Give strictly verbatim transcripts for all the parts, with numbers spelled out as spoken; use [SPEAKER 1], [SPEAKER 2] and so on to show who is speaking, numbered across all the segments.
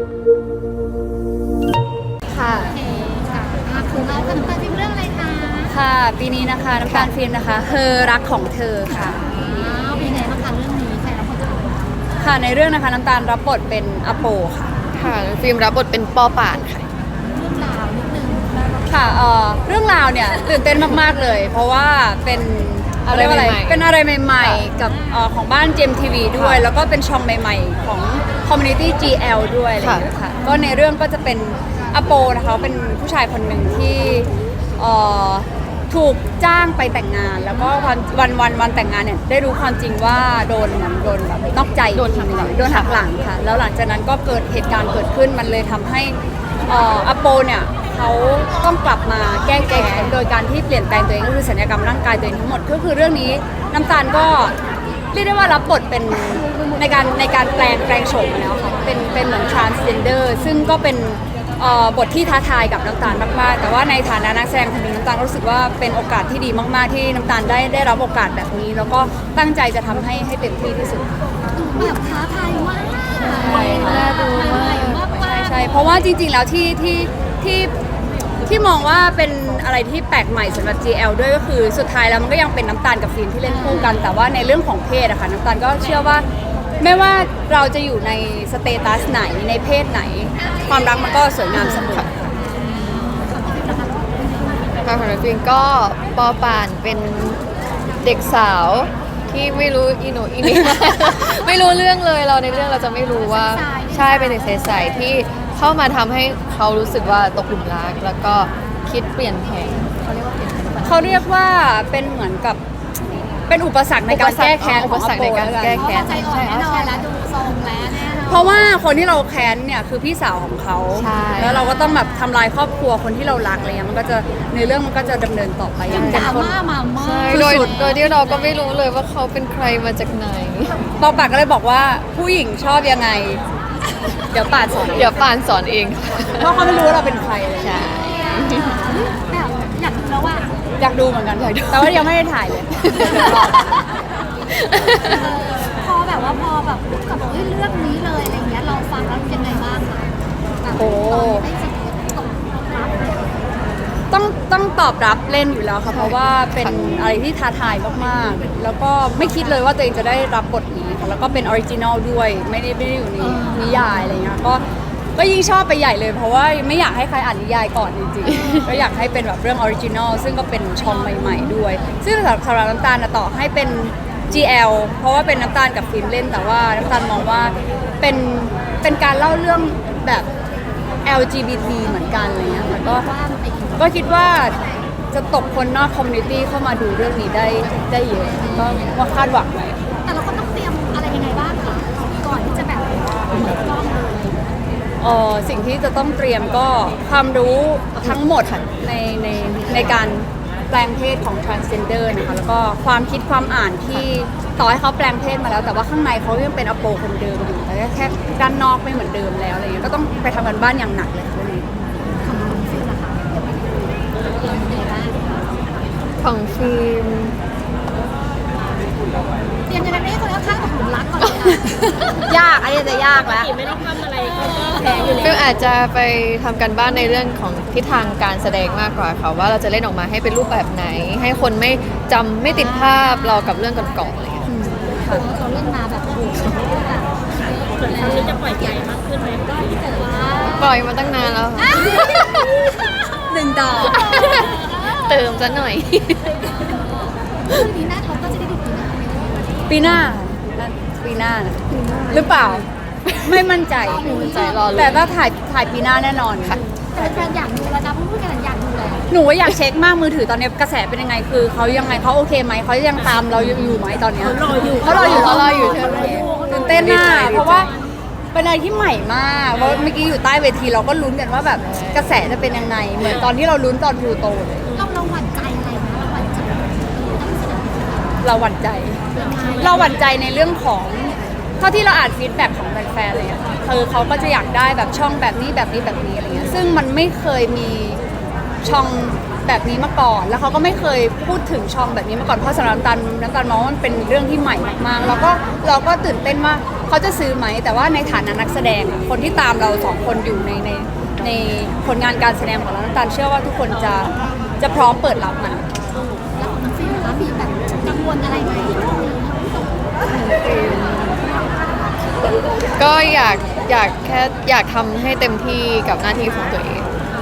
[SPEAKER 1] ค่ะ
[SPEAKER 2] โอเคค่ะอ่ะของเราจะน้ำตาลฟิล์มเรื่องอะไรคะ
[SPEAKER 1] ค่ะปีนี้นะคะน้ำตาลฟิล์มนะคะเธอรักของเธอค่ะ
[SPEAKER 2] อ้าวเป็นไงบ้างคะเรื่องนี้ใครรับบทเป็นอะไร
[SPEAKER 1] ค่ะในเรื่องนะคะน้ำตาลรับบทเป็นอโปค่ะ
[SPEAKER 3] ค่ะฟิล์มรับบทเป็นปอป่านค่ะ
[SPEAKER 2] เรื่องราวนิดนึง
[SPEAKER 1] ค่ะเอ่อเรื่องราวเนี่ยตื่นเต้นมากๆเลย เพราะว่าเป็น
[SPEAKER 3] อะไร
[SPEAKER 1] เรียกว่าอะไร
[SPEAKER 3] ใหม่ๆ
[SPEAKER 1] เป็นอะไรใหม่ๆ กับเอ่อของบ้านเจมทีวีด้วย
[SPEAKER 3] ค่ะ
[SPEAKER 1] แล้วก็เป็นช่องใหม่ๆ ของ Community จี แอล ด้วยอะไรอย่างเงี้ยค่ะก็ในเรื่องก็จะเป็นอโปนะคะเป็นผู้ชายคนหนึ่งที่เอ่อถูกจ้างไปแต่งงาน แล้วก็วันวันวันวันแต่งงานเนี่ยได้รู้ความจริงว่าโดนเหมือนโดนแบบนอกใจ
[SPEAKER 3] โดนหักหลัง
[SPEAKER 1] โดนหักหลังค่ะ แล้วหลังจากนั้นก็เกิดเหตุการณ์เกิดขึ้นมันเลยทำให้เอ่ออโปเนี่ยเขาต้องกลับมาแก้แค้นโดยการที่เปลี่ยนแปลงตัวเองก็คือศัลยกรรมร่างกายตัวเองทั้งหมดก็คือเรื่องนี้น้ำตาลก็เรียกได้ว่ารับบทเป็นในการในการแปลงแปลงโฉมมาแล้วค่ะเป็นเป็นเหมือน transgender ซึ่งก็เป็นเอ่อบทที่ท้าทายกับน้ำตาลมากๆแต่ว่าในฐานะนักแสดงคนหนึ่งน้ำตาลก็รู้สึกว่าเป็นโอกาสที่ดีมากๆที่น้ำตาลได้ได้รับโอกาสแบบนี้ แล้วก็ตั้งใจจะทำให้ให้เต็มที่ที่สุด
[SPEAKER 2] แบบท้าทายมาก
[SPEAKER 1] ใช่ค่ะ
[SPEAKER 2] น่าดูมากมาก
[SPEAKER 1] ใช่ใช่เพราะว่าจริงๆ แล้วที่ที่ที่ที่มองว่าเป็นอะไรที่แปลกใหม่สำหรับ จี แอล ด้วยก็คือสุดท้ายแล้วมันก็ยังเป็นน้ำตาลกับฟิล์มที่เล่นคู่กัน แต่ว่าในเรื่องของเพศอะค่ะน้ำตาลก็เชื่อว่าไม่ว่าเราจะอยู่ในสเตตัสไหนในเพศไหน ความรักมันก็สวยงามเสมอ
[SPEAKER 3] ค่ะของฟิล์มก็ปอป่านเป็นเด็กสาวที่ไม่รู้อีโหนอีนี่ ไม่รู้เรื่องเลยเราในเรื่องเราจะไม่รู้ว่าใช่เป็นเด็กใสๆที่เข้ามาทำให้เขารู้สึกว่าตกหลุมรัก แล้วก็คิดเปลี่ยนแผนเขาเรียกว่าเปลี่ยนแผน
[SPEAKER 1] เขาเรียกว่าเป็นเหมือนกับเป็นอุปสรรคในการแก้แค้น
[SPEAKER 3] อุปสรรคในการแก้
[SPEAKER 2] เพราะว่าใจอ่อนแน่นอนแล้วดูทรงแล้วแน่นอน
[SPEAKER 1] เพราะว่าคนที่เราแค้นเนี่ยคือพี่สาวของเขา
[SPEAKER 3] ใช่
[SPEAKER 1] แล้วเราก็ต้องแบบทำลายครอบครัวคนที่เรารักอะไรเงี้ยมันก็จะในเรื่องมันก็จะดำเนินต่อไปอย่าง
[SPEAKER 2] ด
[SPEAKER 1] เข้ม
[SPEAKER 2] รา
[SPEAKER 1] ข้น
[SPEAKER 2] ม่ามามาก
[SPEAKER 3] ใช่โดยโดยที่เราก็ไม่รู้เลยว่าเขาเป็นใครมาจากไหน
[SPEAKER 1] ปอปากก็เลยบอกว่าผู้หญิงชอบยังไง เดี๋ยวป่านสอน
[SPEAKER 3] เดี๋ยวป่านสอนเอง
[SPEAKER 1] เพราะเขาไม่รู้ว่าเราเป็นใครเลย
[SPEAKER 3] ใช่
[SPEAKER 2] แบบอยากดูแล้วว่า
[SPEAKER 1] อยากดูเหมือนกันแต่ว่ายังไม่ได้ถ่ายเลย
[SPEAKER 2] พอแบบว่าพอแบบกับเฮ้ยเรื่องนี้เลยอะไรเงี้ยเราฟังแล้วยังไงบ้างคะแบบ
[SPEAKER 1] โอ้
[SPEAKER 2] ได้สิตกรับเลย
[SPEAKER 1] ต้องต้องตอบรับเล่นอยู่แล้วค่ะเพราะว่าเป็นอะไรที่ท้าทายมากๆ แล้วก็ไม่คิดเลยว่าตัวเองจะได้รับบทนี้ค่ะแล้วก็เป็นออริจินอลด้วยไม่ได้ไม่ได้อยู่ในนิยายอะไรเงี้ยก็ก็ยิ่งชอบไปใหญ่เลยเพราะว่าไม่อยากให้ใครอ่านนิยายก่อนจริงๆ ก็อยากให้เป็นแบบเรื่องออริจินอลซึ่งก็เป็นช่องใหม่ๆด้วย ซึ่งสำหรับสำหรับน้ำตาลนะต่อให้เป็น จี แอล เพราะว่าเป็นน้ำตาลกับฟิล์มเล่นแต่ว่าน้ำตาลมองว่าเป็นเป็นการเล่าเรื่องแบบ แอล จี บี ที เหมือนกันอะไรเงี้ยค่ะก็
[SPEAKER 2] ว่ามันไปอีก
[SPEAKER 1] ก็คิดว่าจะตกคนนอกคอมมูนิตี้เข้ามาดูเรื่องนี้ได้ได้เยอะก็ว่าคาดหวังไว้
[SPEAKER 2] แต่เราก็ต้องเตรียมอะไรยังไงบ้างคะก่อนที่จะแบบเปิดกล้องเลย
[SPEAKER 1] เออสิ่งที่จะต้องเตรียมก็ความรู้ทั้งหมดในในในการแปลงเพศของ transgender นะคะแล้วก็ความคิดความอ่านที่ต่อให้เขาแปลงเพศมาแล้ว แต่ว่าข้างในเขายังเป็นอโปคนเดิมอยู่แต่แค่ด้านนอกไม่เหมือนเดิมแล้วอะไรเงี้ยก็ต้องไปทำกันบ้านอย่างหนักเลยเรื่องนี้
[SPEAKER 2] ของน้องฟิลล่ะคะเตรียมยังไงบ้าง
[SPEAKER 3] ของฟิล์ม
[SPEAKER 2] เตรียมยังไงไม่ให้คนข้างๆตกหลุมรักก่อนเลยนะ
[SPEAKER 1] ยากอันนี้จะยากแล้ว
[SPEAKER 2] ไม่ต้องทำอะไรก็แพ้อยู่
[SPEAKER 3] ฟิล์มอาจจะไปทำกันบ้านในเรื่องของทิศทางการแสดงมากกว่าค่ะว่าเราจะเล่นออกมาให้เป็นรูปแบบไหน ให้คนไม่จำไม่ติดภาพเรากับเรื่องก่อนๆอะไรอย่างเงี้ย
[SPEAKER 2] เขาเขาเล่นมาแบบโอ้โหแบบส่วนครั้งนี้จะปล่อยใจมากขึ้นไหมก็ที่แต่ว่า
[SPEAKER 3] ปล่อยมาตั้งนานแล้วค่ะ
[SPEAKER 1] หนึ่งดอก
[SPEAKER 3] เติมซะหน่อย
[SPEAKER 2] คือปีหน้าเขาก็จะได้ดูปีหน้าไหม
[SPEAKER 1] ปีหน้าปีหน้าหรือเปล่า ไม่มั่นใจ
[SPEAKER 3] ไม่มั่นใจรอลุ้น
[SPEAKER 1] แต่ถ้าถ่ายถ่ายปีหน้าแน่นอนค่ะ
[SPEAKER 2] แต่แฟนๆอยากดูแล้วนะพูดกันอยากดูแล้ว
[SPEAKER 1] หนูว่าอยากเช็คมากมือถือตอนนี้กระแสเป็นยังไงคือเขายังไงเขาโอเคไหมเขายังตามเราอยู่ไหมตอนเนี้ย
[SPEAKER 2] เขารออยู่
[SPEAKER 1] เขารออยู่
[SPEAKER 3] เขารออยู่ใช่ไหม
[SPEAKER 1] ตื่นเต้นมากเพราะว่าเป็นอะไรที่ใหม่มากเพราะเมื่อกี้อยู่ใต้เวทีเราก็ลุ้นกันว่าแบบกระแสจะเป็นยังไงเหมือนตอนที่เราลุ้นตอนพลูโตเลย
[SPEAKER 2] เราเราหวั่นใจอะไรนะเราหวั่นใจ
[SPEAKER 1] เราหวั่นใจ เราหวั่นใจในเรื่องของเท่าที่เราอ่านฟีดแบ็กของแฟนๆเลยอะคือเขาก็จะอยากได้แบบช่องแบบนี้แบบนี้แบบนี้อะไรเงี้ยซึ่งมันไม่เคยมีช่องแบบนี้มาก่อน แล้วเขาก็ไม่เคยพูดถึงช่องแบบนี้มาก่อนเพราะสำหรับน้ำตาลน้ำตาลมองว่ามันเป็นเรื่องที่ใหม่มากๆแล้วก็เราก็ตื่นเต้นว่าเขาจะซื้อไหมแต่ว่าในฐานะนักแสดงอะคนที่ตามเราสองคนอยู่ในในในผลงานการแสดงของเราน้ำตาลเชื่อว่าทุกคนจะจะพร้อมเปิดรับมัน
[SPEAKER 2] แล้วของน้องฟิล์มคะมีแบบกังวลอะไรไหม
[SPEAKER 3] ก็อยากอยากแค่อยากทำให้เต็มที่กับหน้าที่ของตัวเอง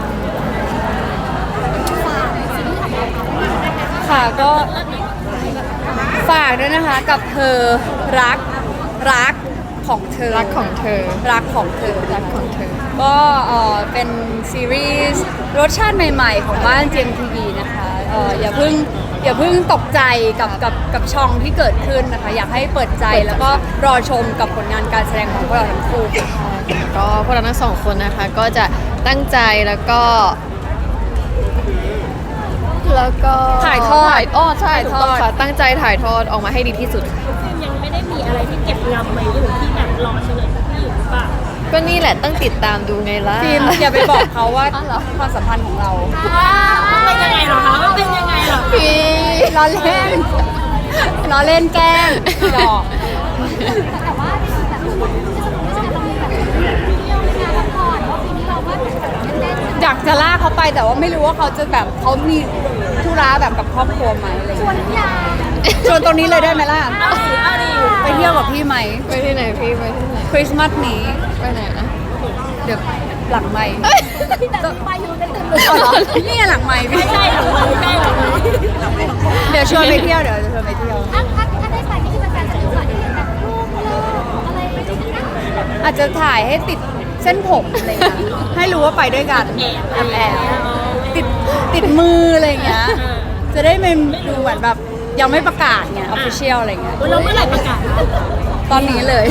[SPEAKER 2] ฝากซีรีส์ของเราค่ะ
[SPEAKER 1] ค่ะก็ฝากด้วยนะคะกับเธอรักรักของเธอ
[SPEAKER 3] รักของเธอ
[SPEAKER 1] รักของเธอ
[SPEAKER 3] รักของเธอ
[SPEAKER 1] ก็เอ่อเป็นซีรีส์รสชาติใหม่ๆ ของบ้าน จี เอ็ม ที วี นะคะเอ่ออย่าเพิ่งอย่าเพิ่งตกใจกับกับกับช่องที่เกิดขึ้นนะคะ อยากให้เปิดใจแล้วก็รอชมกับผลงานการแสดงของพวกเราทั้งคู่
[SPEAKER 3] ก็พวกเราทั้งสองคนนะคะ ก็จะตั้งใจแล้วก็ แล้วก็
[SPEAKER 1] ถ่ายทอด
[SPEAKER 3] ถ่ายอ้อใช่
[SPEAKER 1] ถ่าย
[SPEAKER 3] ถู
[SPEAKER 1] ท
[SPEAKER 3] ก
[SPEAKER 1] อด
[SPEAKER 3] ต้องค่ะตั้งใจถ่ายทอดออกมาให้ดีที่สุดค่ะ
[SPEAKER 4] ยังไม่ได้มีอะไรที่เก็บงำไว้อยู่ที่แบบรอเฉลยสักที่อยู่หรือเปล่า
[SPEAKER 3] ก็นี่แหละต้องติดตามดูไงล่ะ
[SPEAKER 1] ฟิล์มอย่าไปบอกเขาว่า
[SPEAKER 3] อ๋อเหรอ
[SPEAKER 1] ความสัมพันธ์ของเรา
[SPEAKER 4] มันเป็นยังไงเหรอคะมันเป็นยังไงเหรอ
[SPEAKER 3] พี่
[SPEAKER 1] ล้อเล่นล้อเล่นแกล้งหยอก
[SPEAKER 2] แต่ว่าแบบที่สนุกที่สุดเรามีแบบเที่ยวในงานละครว่าปีนี้เราก็เล่นๆ
[SPEAKER 1] อยากจะลากเขาไปแต่ว่าไม่รู้ว่าเขาจะแบบเขามีธุระแบบกับครอบครัวไหมอะไรอย่าง
[SPEAKER 2] ชวน
[SPEAKER 1] เงี้ย
[SPEAKER 2] ทุกอย่าง
[SPEAKER 1] ชวนตรงนี้เลยได้ไหมล่ะ
[SPEAKER 4] เอาดิเอาดิ
[SPEAKER 1] ไปเที่ยวกับพี่ไหม
[SPEAKER 3] ไปที่ไหนพี่ไปที่ไหน
[SPEAKER 1] คริสต์มาสนี้
[SPEAKER 3] ไปไหนนะ
[SPEAKER 1] เดี๋ยวหลังไม่
[SPEAKER 2] แต่มีมาอยู่ในตึกเลย
[SPEAKER 1] อ๋อเหรอนี่ไงหลังไม่พี่
[SPEAKER 4] ใกล้หรือไม่ใกล้หรือไม่
[SPEAKER 1] เดี๋ยวชวนไปเที่ยวเดี๋ยวจะชวนไปเที่ยว
[SPEAKER 2] ถ้าถ้าถ้าได้ไปนี่คือแฟนๆจะดูว่าได้เห็นแบบรูปเลิกอะไรอย่างเงี้ย
[SPEAKER 1] อาจจะถ่ายให้ติดเส้นผมอะไรอย่างเงี้ยให้รู้ว่าไปด้วยกันแอบแอบติดติดมืออะไรอย่างเงี้ยจะได้เป็นดูเหมือนแบบยังไม่ประกาศไงออฟฟิเชียลอะไรเงี้ย
[SPEAKER 4] เราเมื่อไหร่ประกาศ
[SPEAKER 1] ตอนนี้เลย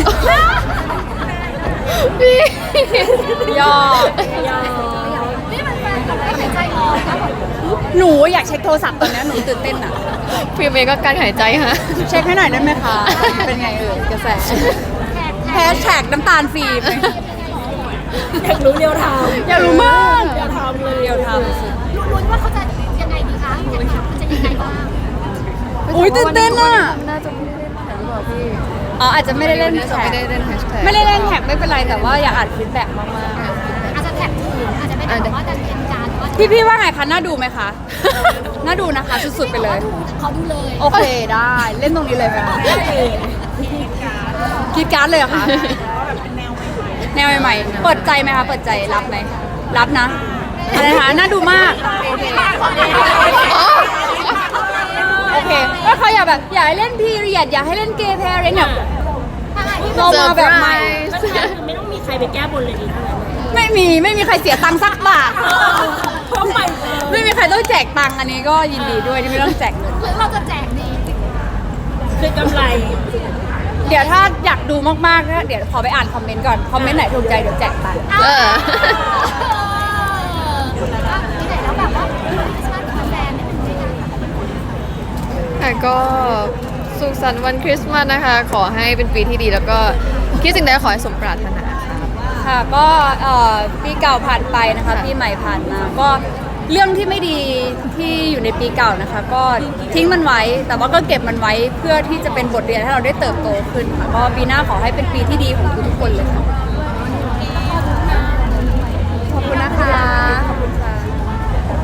[SPEAKER 3] พี่
[SPEAKER 1] ย่อ
[SPEAKER 2] นี่มันแฟนกับไม่หายใจออกนะแบบ
[SPEAKER 1] หนูอยากเช็คโทรศัพท์ตอนนี้หนูตื่นเต้นอ่ะ
[SPEAKER 3] พี่เมย์ก็การหายใจฮะ
[SPEAKER 1] เช็คให้หน่อยได้ไหมคะ เป็นไงเอ่ยกระแส
[SPEAKER 2] แขก
[SPEAKER 1] แฮชแท็กน้ำตาลฟิล์ม
[SPEAKER 4] อยากรู้เรียวไทม์
[SPEAKER 1] อยากรู้มาก
[SPEAKER 4] เรียวไทม์เลย
[SPEAKER 1] เดียวท
[SPEAKER 2] ลุ้นว่าเขาจะยังไงดีคะจะจะยังไงบ้าง
[SPEAKER 1] ำอุ้ยตื่นเต้นอ่ะ
[SPEAKER 3] น่าจะไม่ได้เล่นแท็กหรือเปล่าพี่
[SPEAKER 1] อ๋ออาจจะไม่ได้เล่น
[SPEAKER 3] น่าจะ
[SPEAKER 1] แท็
[SPEAKER 3] ไม่
[SPEAKER 1] ก
[SPEAKER 3] ได้เล่นแฮชแท็ก
[SPEAKER 1] ไม่ได้เล่นแท็กไม่เป็นไรแต่ว่าอยากอ่านฟีดแบ็กมาก
[SPEAKER 2] อาจจะแท็กถูกอาจจะไม่ได้บอกว่าจะเป็นการว่า
[SPEAKER 1] ๆ พี่พี่ว่าไงคะ น่าดูไหมคะ น่าดูนะคะ สุดๆไปเลย
[SPEAKER 2] เขาดูเลย
[SPEAKER 1] โอเคได้ เล่นตรงนี้เลยไหมคะคิดการ์ดเลยเหรอคะ แนวใหม่ๆ เปิดใจไหมคะ เปิดใจรับไหม รับนะอะไรนะคะน่าดูมาก โอเคก็เขาอยากแบบอยากให้เล่นพีเรียดอยากให้เล่นเกย์แพร์เนี่ยเรามาแบบใหม่
[SPEAKER 4] ก็คือไม่ต้องมีใครไปแก้บนเลยดีเท่านั้นเลย
[SPEAKER 1] ไม่มีไม่มีใครเสียตังค์สักบาท
[SPEAKER 4] เพราะไป
[SPEAKER 1] ไม่มีใครต้องแจกตังค์อันนี้ก็ยินดีด้วยที่ไม่ต้องแจกเงิน
[SPEAKER 2] หรือเราจะแจกดี
[SPEAKER 4] คือกำไร
[SPEAKER 1] เดี๋ยวถ้าอยากดูมากๆนะเดี๋ยวขอไปอ่านคอมเมนต์ก่อน คอมเมนต์ไหนถูกใจเดี๋ยวแจกตังค์
[SPEAKER 3] เออ
[SPEAKER 2] ที่ไหนแล้วแบบว่าคริสต์มาสกับแฟนได้เป็นยังไง
[SPEAKER 3] ค่ะก็สุขสันต์วันคริสต์มาสนะคะ ขอให้เป็นปีที่ดีแล้วก็คิดสิ่งใดขอให้สมปรารถนาค่ะ
[SPEAKER 1] ค่ะก็เอ่อปีเก่าผ่านไปนะคะปีใหม่ผ่านมา ก็เรื่องที่ไม่ดีที่อยู่ในปีเก่านะคะ ก็ทิ้งมันไว้ แต่ว่าก็เก็บมันไว้เพื่อที่จะเป็นบทเรียนให้เราได้เติบโตขึ้นค่ะก็ปีหน้าขอให้เป็นปีที่ดีของทุกๆคนเลยค่ะขอบคุณนะคะ